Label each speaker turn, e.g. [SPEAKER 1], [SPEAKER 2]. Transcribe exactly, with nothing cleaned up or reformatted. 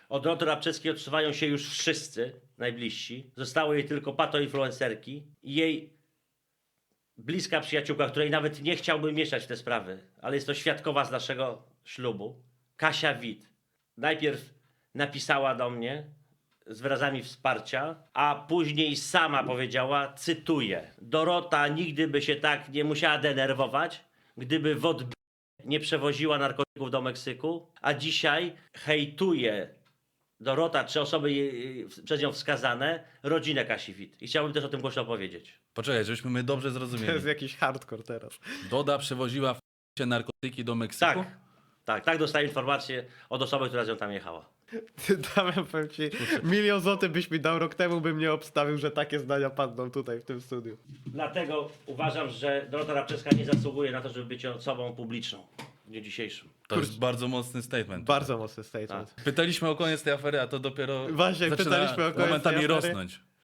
[SPEAKER 1] Od Doroty Rabczewskiej odsuwają się już wszyscy najbliżsi. Zostały jej tylko patoinfluencerki i jej bliska przyjaciółka, której nawet nie chciałbym mieszać w te sprawy, ale jest to świadkowa z naszego ślubu, Kasia Wit. Najpierw napisała do mnie z wyrazami wsparcia, a później sama powiedziała, cytuję: Dorota nigdy by się tak nie musiała denerwować, gdyby w odb... nie przewoziła narkotyków do Meksyku, a dzisiaj hejtuje Dorota, czy osoby jej, przez nią wskazane, rodzinę Kasi Wit. I chciałbym też o tym głośno powiedzieć.
[SPEAKER 2] Poczekaj, żebyśmy my dobrze
[SPEAKER 3] To
[SPEAKER 2] zrozumieli.
[SPEAKER 3] jest jakiś hardcore teraz.
[SPEAKER 2] Doda przewoziła w narkotyki do Meksyku?
[SPEAKER 1] Tak, tak, tak dostaję informację od osoby, która z nią tam jechała.
[SPEAKER 3] Damian, powiem ci, milion złotych byś mi dał rok temu, bym nie obstawił, że takie zdania padną tutaj w tym studiu.
[SPEAKER 1] Dlatego uważam, że Dorota Rabczewska nie zasługuje na to, żeby być osobą publiczną w dniu dzisiejszym.
[SPEAKER 2] To jest bardzo mocny statement.
[SPEAKER 3] Bardzo mocny statement.
[SPEAKER 2] Pytaliśmy o koniec tej afery, a to dopiero
[SPEAKER 3] Właśnie,
[SPEAKER 2] zaczyna
[SPEAKER 3] pytaliśmy o koniec
[SPEAKER 2] momentami
[SPEAKER 3] tej afery.
[SPEAKER 2] rosnąć.